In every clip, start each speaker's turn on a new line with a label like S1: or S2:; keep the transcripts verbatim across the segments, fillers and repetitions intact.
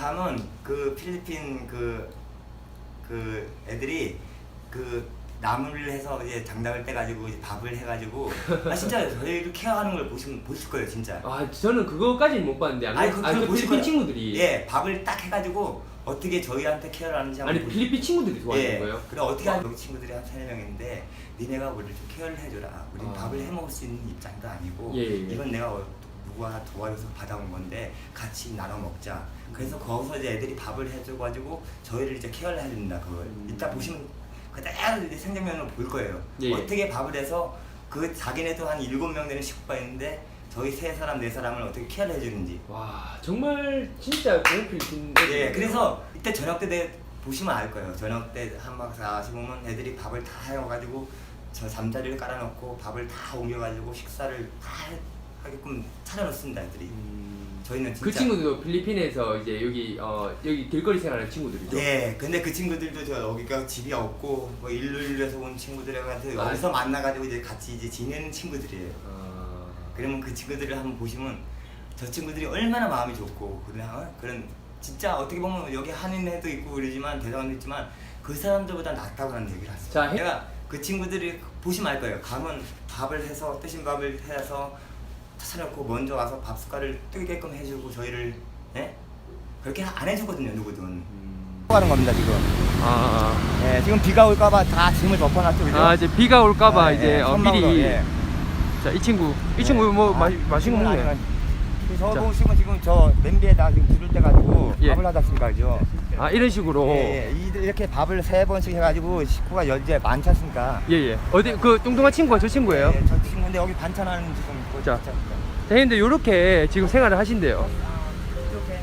S1: 가면 그 필리핀 그, 그 애들이 그 나무를 해서 이제 장작을 떼가지고 이제 밥을 해가지고 아 진짜 저희를 케어하는 걸 보시면 보실 거예요 진짜.
S2: 아 저는 그거까지는 못 봤는데 안
S1: 아니
S2: 그,
S1: 그,
S2: 아,
S1: 그
S2: 그
S1: 보실
S2: 필리핀
S1: 거예요.
S2: 친구들이
S1: 예 밥을 딱 해가지고 어떻게 저희한테 케어를 하는지 한번
S2: 아니
S1: 보시-
S2: 필리핀 친구들이 도와주는
S1: 예,
S2: 거예요?
S1: 그래 어떻게 하면 여기 친구들이 한 세네 명인데 니네가 우리를 좀 케어를 해줘라. 우린
S2: 아.
S1: 밥을 해 먹을 수 있는 입장도 아니고
S2: 예, 예.
S1: 이건 내가 어- 누가 도와줘서 받아온 건데 같이 나눠 먹자. 그래서 거기서 이제 애들이 밥을 해줘가지고 저희를 이제 케어를 해준다 그걸.
S2: 음.
S1: 이따 보시면 그대로 이제 생장면으로 볼 거예요.
S2: 예, 예.
S1: 어떻게 밥을 해서 그 자기네도 한 일곱 명 되는 식구가 있는데 저희 세 사람 네 사람을 어떻게 케어를 해주는지.
S2: 와 정말 진짜 좋은 필리핀
S1: 예, 그래서 이때 저녁 때 내- 보시면 알 거예요. 저녁 때 한박 사십 오면 애들이 밥을 다 해가지고 저 잠자리를 깔아놓고 밥을 다 옮겨가지고 식사를 다 하게끔 차려놓습니다, 애들이.
S2: 음,
S1: 저희는 진짜.
S2: 그 친구들도 필리핀에서 이제 여기 어 여기 길거리 생활하는 친구들이죠?
S1: 예, 근데 그 친구들도 저 여기가 집이 없고 뭐 일루일루에서 온 친구들한테
S2: 아,
S1: 여기서 만나가지고 이제 같이 이제 지내는 친구들이에요.
S2: 아,
S1: 그러면 그 친구들을 한번 보시면 저 친구들이 얼마나 마음이 좋고 그냥 그런 진짜 어떻게 보면 여기 한인애도 있고 그러지만 대단도 있지만 그 사람들보다 낫다고는 얘기를 하세요.
S2: 자, 해-
S1: 내가 그 친구들이 보시면 알 거예요. 가면 밥을 해서 뜨신 밥을 해서 차려놓고 먼저 와서 밥 숟갈을 뜨게끔 해주고 저희를 예? 그렇게 안 해주거든요 누구든.
S2: 음,
S1: 하는 겁니다 지금.
S2: 아,
S1: 예, 지금 비가 올까봐 다 짐을 덮어놨죠, 그죠?
S2: 아, 아 이제 비가 올까봐
S1: 예,
S2: 이제
S1: 예,
S2: 어,
S1: 선망으로,
S2: 미리
S1: 예.
S2: 자 이 친구 이 친구 뭐 마, 맛있는 거 먹네.
S1: 저
S2: 자.
S1: 보시면 지금 저 냄비에다 지금 불을 떼가지고
S2: 예.
S1: 밥을 하다 쓰니까 그죠?
S2: 아 이런 식으로
S1: 예, 예. 이- 이렇게 밥을 세 번씩 해가지고 식구가 이제 많지 않습니까?
S2: 예예 어디 그 뚱뚱한 친구가 저 친구예요?
S1: 예, 저 친구인데 여기 반찬하는 지금 있고
S2: 자.
S1: 진짜.
S2: 근데 요렇게 지금 생활을 하신대요.
S1: 이렇게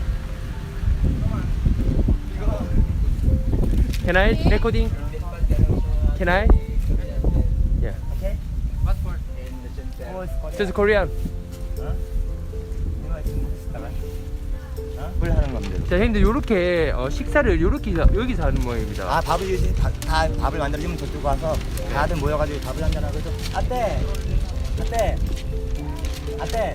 S2: Can I recording? Can I? Yeah.
S1: 오케이?
S2: Just Korean.
S1: 물 하는 겁니다.
S2: 자, 형님들 요렇게 어, 식사를 요렇게 자- 여기서 하는 모양입니다.
S1: 아 밥을 이제 다, 다 밥을 만들어주면 저쪽 와서 다들 모여가지고 밥을 한잔 하고 또 아떼 아떼 아떼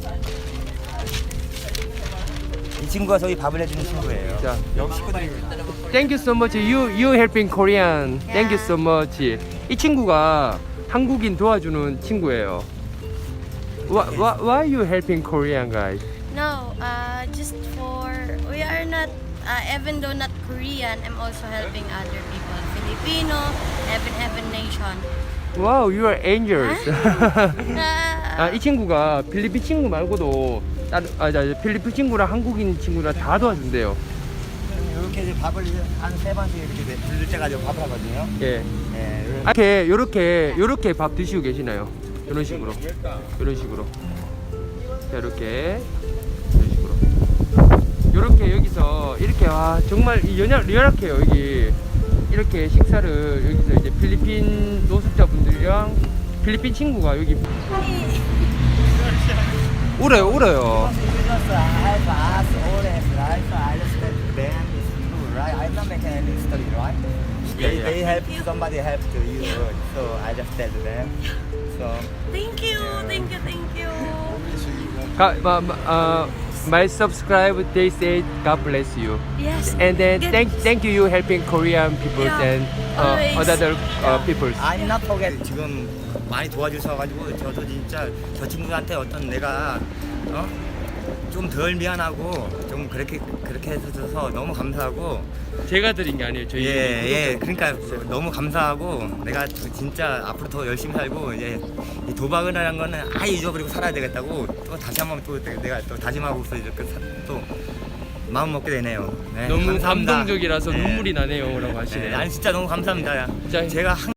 S1: 이 친구가 저희 밥을 해주는 친구예요.
S2: 자,
S1: 여기 식구들이
S2: Thank you so much. You you helping Korean. Thank you so much. 이 친구가 한국인 도와주는 친구예요. Why, why, why you helping Korean guys?
S3: No, uh, just for we are not. Uh, even though not Korean, I'm also helping other people, Filipino, even even nation.
S2: Wow, you are angels.
S3: Uh,
S2: 아, 이 친구가 필리핀 친구 말고도 다른 아, 자, 필리핀 친구랑 한국인 친구랑 다 도와준대요.
S1: 이렇게 이제 밥을 한 세 번씩 이렇게 불릴 때 가지고 밥을 하거든요.
S2: 예.
S1: 예,
S2: 아, 이렇게 요렇게 요렇게 밥 드시고 계시나요? 이런 식으로. 이런 식으로. 자, 이렇게 이런 식으로. 요렇게 여기서 이렇게 와 정말 이 연약 연약해요 여기. 이렇게 식사를 여기서 이제 필리핀 노숙자분들이랑 필리핀 친구가 여기 울어요 울어요.
S1: They, they help somebody help to you, so I just tell them. So
S3: thank you, thank you, thank you.
S2: 가, 마, 마, uh, my subscribe they say God bless you.
S3: Yes.
S2: And then
S3: Good.
S2: thank thank you you helping Korean people
S3: Yeah,
S2: and uh,
S3: always.
S2: other uh, peoples.
S1: I'm not forget. 지금 많이 도와주셔가지고 저도 진짜 저 친구한테 어떤 내가 어? 좀 덜 미안하고 좀 그렇게 그렇게 해줘서 너무 감사하고
S2: 제가 드린 게 아니에요. 저희
S1: 예예 그러니까 너무 감사하고 내가 진짜 앞으로 더 열심히 살고 이제 이 도박을 하는 거는 아예 잊어버리고 살아야 되겠다고 또 다시 한번 또 내가 또 다짐하고서 이렇게 사- 또 마음 먹게 되네요. 네,
S2: 너무
S1: 감사합니다.
S2: 감동적이라서
S1: 네.
S2: 눈물이 나네요라고
S1: 네,
S2: 하시네요.
S1: 아니 진짜 너무 감사합니다.
S2: 자,
S1: 제가 한